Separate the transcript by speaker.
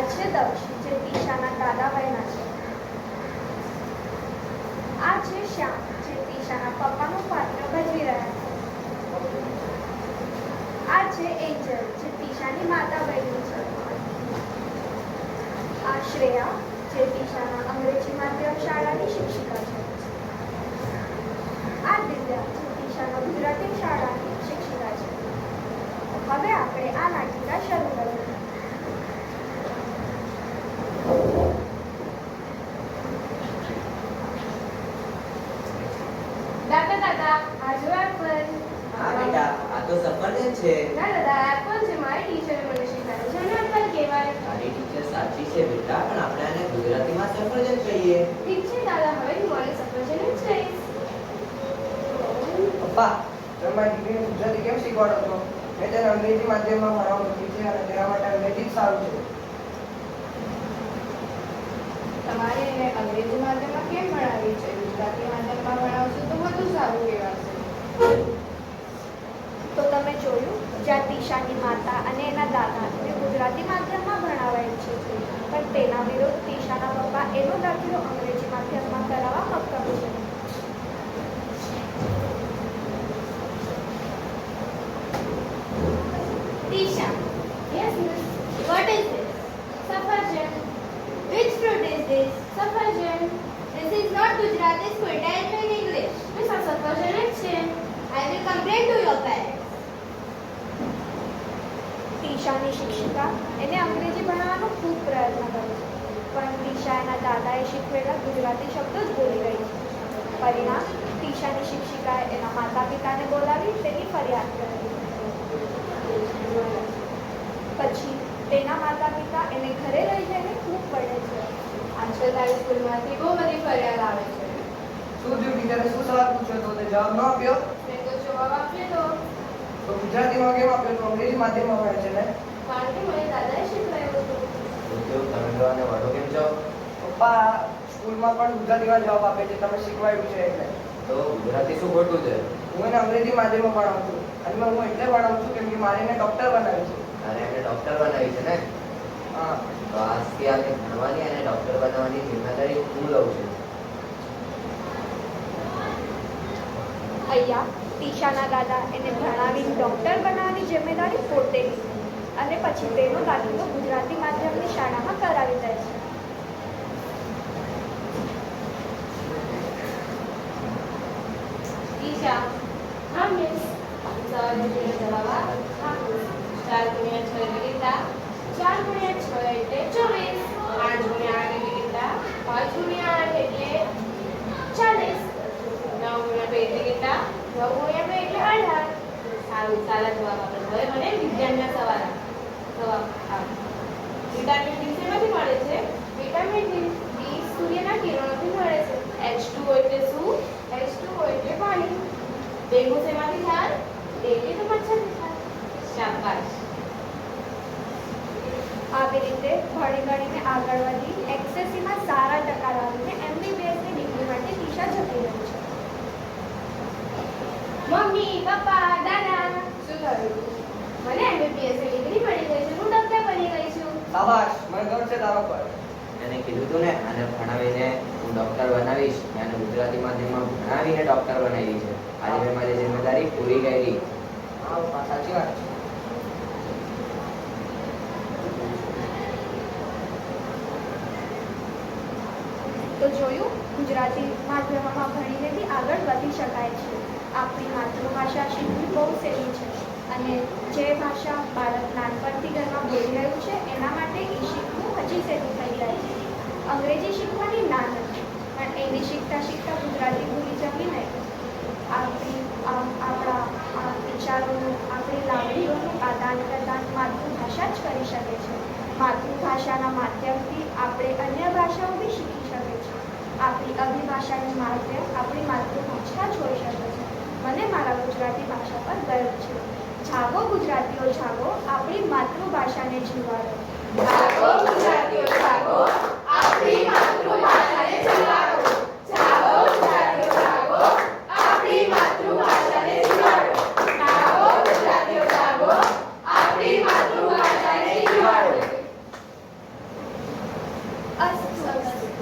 Speaker 1: છે દક્ષ, જે તીશાના દાદા બહેના છે. આ છે શ્યામ, જે તીશાના પપ્પાનું પાત્ર ભજવી રહ્યા છે. આ છે એન્જલ, જે તીશાની માતા બહેની છે. આ શ્રેયા, જે તીશાના અંગ્રેજી માધ્યમ શાળાની શિક્ષિકા છે. આ દિવ્યા, જે તીશાના ગુજરાતી શાળાની શિક્ષિકા છે. હવે આપણે આ નાટિકા શરૂ કરીએ.
Speaker 2: દાદા આ જો એપલ.
Speaker 3: હા બેટા, આ તો સફરજન છે.
Speaker 2: ના દાદા, એપલ છે. મારી ટીચરે મને શીખવાડ્યું છે ને એપલ કહેવાય.
Speaker 3: તારી ટીચર સાચી છે બેટા, પણ આપણે આને ગુજરાતીમાં સફરજન કહીએ.
Speaker 2: ઠીક છે દાદા, હવે હું મને સફરજન જ કહીશ.
Speaker 4: પપ્પા, તમે મારી દીકરીને ગુજરાતી કેમ શીખવાડો છો? મેં તેને અંગ્રેજી માધ્યમમાં ભણાવવા મૂકી છે અને તેના માટે અંગ્રેજી જ સારું છે.
Speaker 2: તમારે એને અંગ્રેજી માધ્યમમાં કેમ ભણાવી છે? ગુજરાતી માધ્યમમાં ભણાવશો તો વધુ સારું કહેવાશે.
Speaker 1: તો તમે જોયું, જ્યાં તીશાની માતા અને એના દાદા એને ગુજરાતી માધ્યમમાં ભણાવાય છે, પણ તેના વિરુદ્ધ તીશાના પપ્પા એનો દાખલો અંગ્રેજી માધ્યમમાં કરાવવા મક્કમ છે.
Speaker 2: Tisha. Yes, miss. What is this? Safarjan. Which fruit is this? Safarjan. This is not Gujarati school. Tell me in English. Miss, a safarjan is same. I will complain to your parents.
Speaker 1: તીશાની શિક્ષિકા એને અંગ્રેજી ભણાવવાનો ખૂબ પ્રયત્ન કરે છે, પણ તીશા એના દાદાએ શીખવેલા ગુજરાતી શબ્દો જ બોલી રહી છે. પરિણામ, તીશાની શિક્ષિકાએ એના માતા પિતાને બોલાવી તેની ફરિયાદ કરી. પછી તેના માતા પિતા એને ઘરે લઈ જઈને ખૂબ પડે છે.
Speaker 2: આજકાલ તારી સ્કૂલમાંથી બહુ બધી ફરિયાદ આવે છે.
Speaker 4: શું થયું ટીચરે? શું સવાલ પૂછ્યો તો તે જવાબ ન આપ્યો?
Speaker 2: મેં તો જવાબ આપ્યો
Speaker 4: તો ગુજરાતીમાં કેમ આપ્યો? તો અંગ્રેજી માધ્યમમાં ભણે છે ને?
Speaker 2: કારણ કે મને દાદાએ શીખવાડ્યું હતું.
Speaker 3: તમે લોકોને વડો કેમ છો?
Speaker 4: પપ્પા, સ્કૂલમાં પણ ગુજરાતીમાં જવાબ આપે છે, તમે શીખવાડ્યું છે એટલે.
Speaker 3: તો ગુજરાતી શું ખોટું છે?
Speaker 4: હું એને અંગ્રેજી માધ્યમમાં ભણાવું છું અને હું એટલે ભણાવું છું કેમ કે મારે એને ડૉક્ટર બનાવી છે.
Speaker 3: અને એને ડોક્ટર બનાવી છે ને?
Speaker 4: હા.
Speaker 3: તો આજથી આને ભણવાની અને ડોક્ટર બનાવવાની જિમ્મેદારી હું લઉં છું.
Speaker 1: અહીંયા તીશાના દાદા એને ભણાવીને ડૉક્ટર બનાવવાની જિમ્મેદારી પોતે લીધી અને પછી તેનો દાખલો ગુજરાતી માધ્યમની શાળામાં કરાવી દે છે.
Speaker 2: Tisha. हाँ मिस. सवाल मुझे जवाब हाँ. 4 गुणिया 6 એટલે કેટલા? 4 ગુણ્યા 6 એટલે 24. 8 ગુણ્યા 8 એટલે કેટલા? 5 ગુણ્યા 8 એટલે 40. 9 ગુણ્યા 2 એટલે કેટલા? 9 ગુણ્યા 2 એટલે 18. સારું, સારા જવાબ આપે. હવે મને વિજ્ઞાનના સવાલ આપ. વિટામિન ડી શેમાંથી મળે છે? વિટામિન ડી સૂર્યના કિરણોથી મળે છે. H2O એટલે શું? H2O એટલે પાણી. ડેન્ગુ શેમાંથી થાય? ડેન્ગુ તો મચ્છરથી થાય. શાબાશ.
Speaker 1: આવી રીતે ભણી ગણીને આગળ વધી એક્સએસસીમાં સારા ટકા લાવીને એમબીબીએસની ડિગ્રી માટે તીશા જતી રહી છે.
Speaker 2: મમ્મી, પપ્પા, દાદા, શું થયું? મને એમબીબીએસ ની ડિગ્રી મળી ગઈ છે. હું ડોક્ટર બની ગઈ છું.
Speaker 4: શાબાશ, મને ગર્વ છે તારા પર.
Speaker 3: એને કીધું તું ને, આને ભણાવીને હું ડોક્ટર બનાવીશ. અને ગુજરાતી માધ્યમમાં ભણાવીને ડોક્ટર બનાવી છે. આજે મેં મારી જિમ્મેદારી પૂરી કરી.
Speaker 4: હા પપ્પા, સાચી વાત છે.
Speaker 1: તો જોયું, ગુજરાતી માધ્યમમાં ભણીને બી આગળ વધી શકાય છે. આપણી માતૃભાષા શીખવી બહુ સહેલી છે અને જે ભાષા બાળક નાનપણથી ઘરમાં બોલી રહ્યું છે એના માટે એ શીખવું હજી સહેલું થઈ જાય છે. અંગ્રેજી શીખવાની ના નથી, પણ એને શીખતા શીખતા ગુજરાતી ભૂલી જવી નહીં. આપણા વિચારોનું, આપણી લાગણીઓનું આદાન પ્રદાન માતૃભાષા જ કરી શકે છે. માતૃભાષાના માધ્યમથી આપણે અન્ય ભાષાઓ બી શીખી શકે છે. આપણી અભિભાષાનું માધ્યમ આપણી માતૃભાષા જ હોઈ શકે છે. મને મારા ગુજરાતી ભાષા પર ગર્વ છે. જાગો ગુજરાતીઓ જાગો, આપણી માતૃભાષાને જીવાડો.
Speaker 2: જાગો ગુજરાતીઓ જાગો, આપણી માતૃભાષાને જીવાડો. જાગો ગુજરાતીઓ જાગો, આપણી માતૃભાષાને જીવાડો. જાગો ગુજરાતીઓ જાગો, આપણી માતૃભાષાને જીવાડો.
Speaker 1: અસ્તુ.